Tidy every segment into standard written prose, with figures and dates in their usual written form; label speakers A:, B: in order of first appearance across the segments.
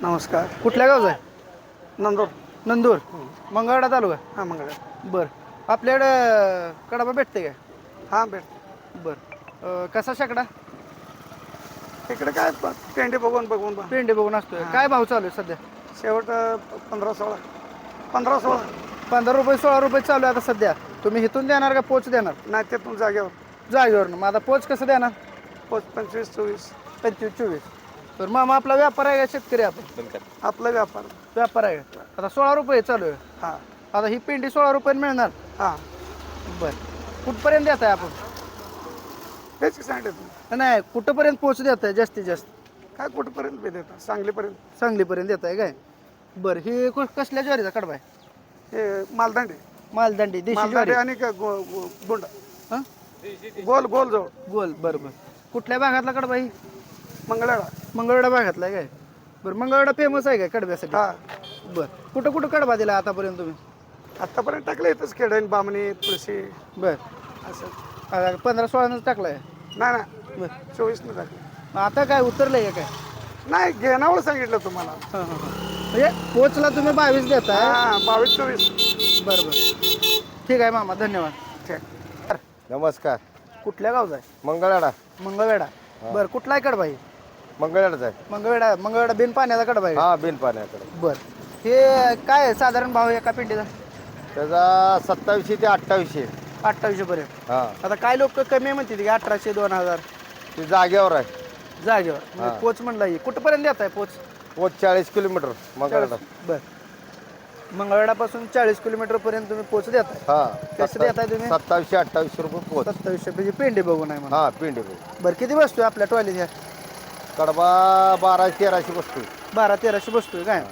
A: नमस्कार.
B: कुठल्या गावचा आहे?
A: नंदूर.
B: नंदूर. मंगळवेढा तालुका.
A: हां मंगळ.
B: बरं. आपल्याकडं कडबा भेटते काय?
A: हां भेट.
B: बरं. कसा शेकडा?
A: इकडे काय पेंडे बघून बघून
B: पेंडे बघून असतोय. काय भाव चालू आहे सध्या?
A: शेवट 15-16. 15-16.
B: 15 रुपये 16 रुपये चालू आहे आता सध्या. तुम्ही इथून देणार का पोच देणार?
A: नाही ते पण जागेवर.
B: जागेवरनं. मग आता पोच कसं देणार?
A: 25-24.
B: 25-24. तर मामा आपला व्यापार आहे का शेतकरी आपण?
A: आपला व्यापार.
B: व्यापार आहे का? आता 16 रुपये चालू आहे.
A: हां
B: आता ही पेंडी 16 रुपये मिळणार.
A: हां.
B: बरं. कुठपर्यंत देत आहे आपण?
A: तेच की सांगितलं तुम्ही.
B: नाही, कुठंपर्यंत पोच देत आहे जास्तीत जास्त?
A: काय कुठपर्यंत बी देता सांगलीपर्यंत.
B: सांगलीपर्यंत देत आहे काय? बरं. ही कसल्या ज्वारीचा कडबा आहे?
A: हे मालदांडी.
B: मालदांडी देशी
A: मालदांडी
B: ज्वारी.
A: आणि गुंड
B: हां
A: गोल गोल जवळ.
B: गोल. बरं बरं. कुठल्या भागातला कडबा ही?
A: मंगळवेढा.
B: मंगळवेढा भागातला आहे काय? बरं. मंगळवेढा फेमस आहे काय कडब्यासाठी?
A: हां.
B: बरं. कुठं कुठं कडबा दिला आतापर्यंत तुम्ही?
A: आत्तापर्यंत टाकलं इथंच खेडण बामणी तुळशी
B: बरं.
A: असं.
B: आता 15-16नंच टाकला आहे.
A: नाही ना
B: बरं.
A: 24 टाकलं.
B: आता काय उतरलंय का काय?
A: नाही घेण्यावर सांगितलं तुम्हाला.
B: हां हां हां. म्हणजे पोचला तुम्ही 22 देताय.
A: हां 22-24.
B: बरं बरं. ठीक आहे मामा, धन्यवाद.
A: ठीक.
C: नमस्कार.
B: कुठल्या गावचा आहे?
C: मंगळवेढा.
B: मंगळवेढा. बरं. कुठला आहे कडबा ही?
C: मंगळवेढाच आहे.
B: मंगळवेढा बिन पाण्याचा कडबा आहे.
C: हा बिन पाण्याकडे.
B: बरं. हे काय आहे साधारण भाव एका पिंडीचा?
C: त्याचा 2700 ते 2800.
B: 2800 पर्यंत.
C: हा
B: आता काय लोक कमी म्हणते की 1800 2000
C: ते जागेवर आहे.
B: जागेवर. म्हणजे पोच म्हणला ही कुठपर्यंत देत आहे पोच?
C: पोच 40 किलोमीटर मंगळवेढा.
B: बरं. मंगळवेढापासून 40 किलोमीटर पर्यंत तुम्ही पोच देताय.
C: हा
B: कसं देताय तुम्ही?
C: 2700-2800 रुपये पोच.
B: 2700 म्हणजे पेंडे बघून आहे म्हणा.
C: हा पिंडी.
B: बरं. किती बसतोय आपल्या टॉयलेट ह्या?
C: कडबा 1200-1300 बसतो.
B: 1200-1300 बसतोय काय?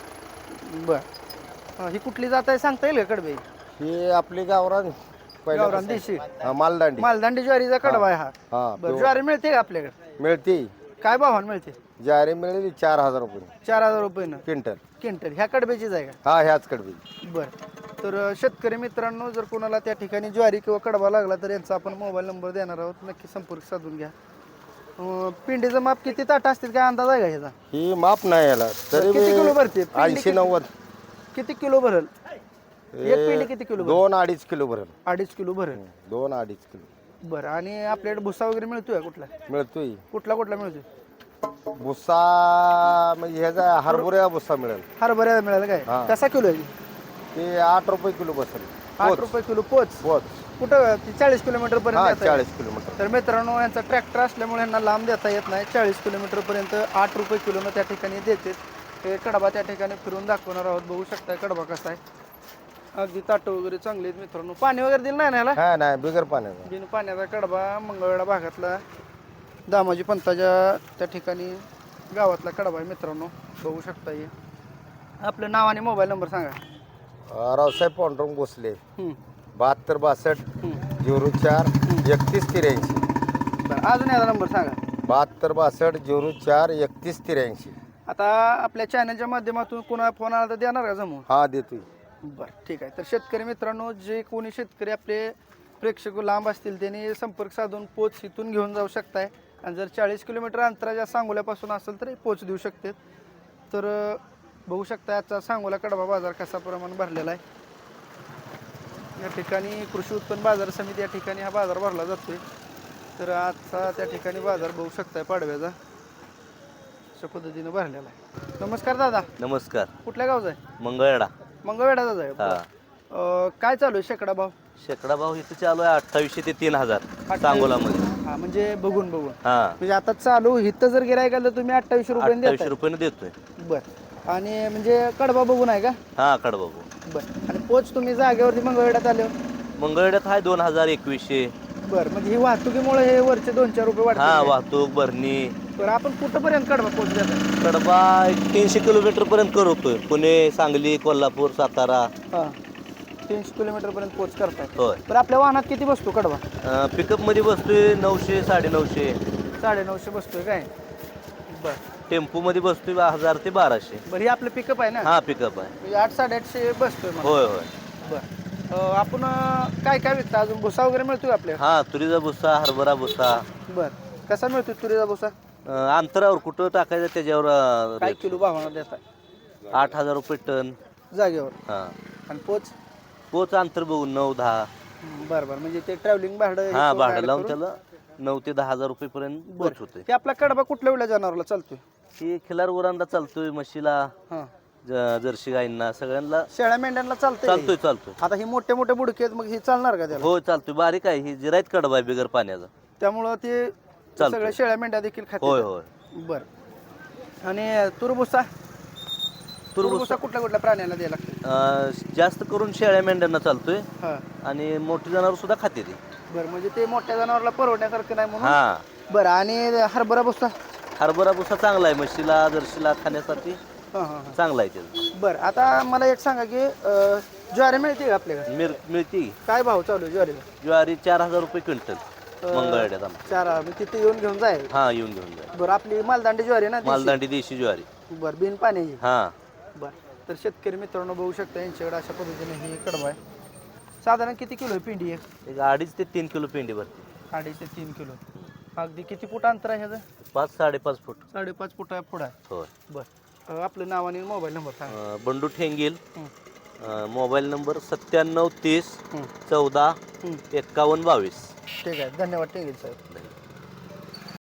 B: बरं. ही कुठली जात आहे सांगता येईल का कडबे?
C: ही आपली गावरान
B: गावरान देशी.
C: हा मालदांडी.
B: मालदांडी ज्वारीचा कडबा आहे हा.
C: हा
B: बरं. ज्वारी मिळते का आपल्याकडे?
C: मिळते.
B: काय भावानं मिळते?
C: ज्वारी मिळेल 4000 रुपये
B: 4000 रुपये
C: क्विंटल.
B: क्विंटल. ह्या कडब्याचीच आहे का?
C: हा ह्याच कडबी.
B: बरं. तर शेतकरी मित्रांनो, जर कोणाला त्या ठिकाणी ज्वारी किंवा कडबा लागला तर यांचा आपण मोबाईल नंबर देणार आहोत. नक्की संपर्क साधून घ्या. पिंडीचं माप किती ताट असतील काय अंदाज आहे का ह्याचा?
C: ही माप नाही याला तरी
B: किती किलो भरते?
C: 80-90.
B: किती किलो भरल? एक पिंडी किती किलो भरल?
C: 2-2.5 किलो भरेल.
B: 2.5 किलो भरल.
C: 2-2.5 किलो.
B: बरं. आणि आपल्याकडे भुसा वगैरे मिळतोय कुठला?
C: मिळतोय.
B: कुठला मिळतोय?
C: भुसा म्हणजे ह्याचा हरभऱ्या भुसा मिळेल.
B: हरभऱ्याला मिळालं काय?
C: हा.
B: कसा किलो आहे?
C: ते 8 रुपये किलो बसेल.
B: 8 रुपये किलो पोच.
C: पोच.
B: कुठं? 40 किलोमीटर
C: हा
B: पर्यंत देताय?
C: 40 किलोमीटर.
B: तर मित्रांनो, यांचा ट्रॅक्टर असल्यामुळे यांना लांब देता येत नाही. 40 किलोमीटर पर्यंत 8 रुपये किलोनं त्या ठिकाणी देते. हे कडबा त्या ठिकाणी फिरून दाखवणार आहोत. बघू शकताय कडबा कसा आहे. अगदी ताटं वगैरे चांगली आहेत मित्रांनो. पाणी वगैरे दिलं नाही ना याला?
C: हा नाही बिगर पाण्याचा.
B: बिन पाण्याचा कडबा मंगळवेढा भागातला दामाजी पंताच्या त्या ठिकाणी गावातला कडबा आहे मित्रांनो. बघू शकता. हे आपलं नाव आणि मोबाईल नंबर सांगा.
C: रावसाहेब पांडुरंग भोसले.
B: हं.
C: 7262 04 31 83.
B: बरं. अजून याचा नंबर सांगा.
C: 7262 04 31 83.
B: आता आपल्या चॅनलच्या माध्यमातून कोणा फोन आला तर देणार का जमून?
C: हा देतोय.
B: बरं. ठीक आहे. तर शेतकरी मित्रांनो, जे कोणी शेतकरी आपले प्रेक्षक लांब असतील त्यांनी संपर्क साधून पोच इथून घेऊन जाऊ शकताय. आणि जर 40 किलोमीटर अंतराच्या सांगोल्यापासून असेल तर पोच देऊ शकते. तर बघू शकता आजचा सांगोला कडबा बाजार कसा प्रमाण भरलेला आहे. या ठिकाणी कृषी उत्पन्न बाजार समिती या ठिकाणी हा बाजार भरला जातोय. तर आजचा त्या ठिकाणी बाजार बघू शकताय पाडव्याचा अशा पद्धतीनं भरलेला आहे. नमस्कार दादा.
D: नमस्कार.
B: कुठल्या गावचा आहे?
D: मंगळवेढा.
B: मंगळवेढाचाच आहे.
D: हा.
B: काय चालू आहे शेकडा भाव?
D: शेकडा भाव इथं चालू आहे 2800 ते 3000 सांगोलामध्ये.
B: हा म्हणजे बघून
D: हा
B: म्हणजे आता चालू इथं जर गिरायक आलं तर तुम्ही 2800 रुपये
D: 2800 रुपयाने देतोय.
B: बरं. आणि म्हणजे कडबा बघून आहे का?
D: हा कडबा भाऊ.
B: बरं. आणि पोच तुम्ही जागेवरती मंगळवेढ्यात आले?
D: मंगळवेढ्यात आहे 2000 2100.
B: बरं. म्हणजे ही वाहतुकीमुळे हे वरचे 2-4 रुपये
D: हा
B: वाढतात.
D: वाहतूक भरणी.
B: बरं. आपण कुठंपर्यंत कडबा पोच देतात?
D: कडबा 300 किलोमीटर पर्यंत करतोय. पुणे, सांगली, कोल्हापूर, सातारा.
B: हां. 300 किलोमीटर पर्यंत पोच करताय.
D: होय.
B: बरं. आपल्या वाहनात किती बसतो कडबा?
D: पिकअप मध्ये बसतोय 900 950.
B: 950 बसतोय काय? बरं.
D: टेम्पो मध्ये बसतोय 1000 ते 1200.
B: बरं. हे आपलं पिकअप आहे ना?
D: हा पिकअप आहे.
B: म्हणजे 800-850 बसतोय मला.
D: होय होय.
B: बरं. आपण काय काय विकता अजून? भुसा वगैरे मिळतोय आपल्या?
D: हा तुरीचा भुसा, हरभरा भुसा.
B: बरं. कसा मिळतोय तुरीचा भुसा?
D: अंतरावर कुठं टाकायचं त्याच्यावर
B: काय किलो भावानं देताय
D: 8,000 रुपये टन.
B: जागेवर?
D: हा
B: आणि पोच?
D: पोच अंतर बघून 9-10.
B: बरं बरं, म्हणजे ते ट्रॅव्हलिंग भाडं
D: हा
B: हे
D: भाडं
B: करून
D: लावून
B: करून-
D: त्याला 9 ते 10,000 रुपये पर्यंत पोच होते.
B: ते आपला कडबा कुठल्या वेळेला जनावरला चालतोय?
D: ही खिलार उरांना चालतोय, म्हशीला,
B: हां,
D: जर्सी गाईंना सगळ्यांना
B: शेळ्या मेंढ्यांना चालतंय?
D: चालतोय.
B: आता ही मोठे मोठे बुडके आहेत, मग हे चालणार का त्याला?
D: हो चालतोय. बारीक आहे ही जिरायत कडबा आहे बिगर पाण्याचा.
B: त्यामुळं ते
D: चालतंय.
B: सगळ्या शेळ्या मेंढ्या देखील
D: होय
B: खाते.
D: होय.
B: बरं. आणि तुरबुसा तुरबुसा कुठल्या कुठल्या प्राण्याला द्यायला लागतो?
D: जास्त करून शेळ्या मेंढ्यांना चालतोय
B: हां,
D: आणि मोठी जनावर सुद्धा खाते ती.
B: बरं, म्हणजे ते मोठ्या जनावरला परवडण्यासारखं नाही म्हणून.
D: हा
B: बरं. आणि हरभरा भुसा?
D: हरभरा भुसा चांगला आहे म्हशीला जर्सीला खाण्यासाठी
B: हां हां हां.
D: चांगला आहे त्याचा.
B: बरं, आता मला एक सांगा की ज्वारी मिळते का आपल्याकडे?
D: मिळती.
B: काय भाव चालू आहे ज्वारीला?
D: ज्वारी 4,000 रुपये क्विंटल मंगळवाड्यात आम्हाला.
B: 4 मी तिथे येऊन जाईल.
D: हा येऊन घेऊन जा.
B: बरं, आपली मालदांडी ज्वारी ना देशी?
D: मालदांडी देशी ज्वारी.
B: बरं, बिन पाण्याची?
D: हा
B: बरं. तर शेतकरी मित्रांनो बघू शकता यांच्याकडे अशा पद्धतीने ही कडबा आहे. साधारण किती किलो आहे पिंडी एक?
D: 2.5 ते 3 किलो पेंडी भरते.
B: 2.5 ते 3 किलो. अगदी किती फूट अंतर आहे ह्याचं?
D: 5-5.5 फूट.
B: 5.5 फूट पुढं आहे.
D: होय.
B: बरं. आपलं नाव आणि मोबाईल नंबर सांगा.
D: बंडू ठेंगेल.
B: हं.
D: मोबाईल नंबर 97 30
B: हं.
D: 14
B: हं.
D: 51 22.
B: ठीक आहे, धन्यवाद टेंगेल साहेब.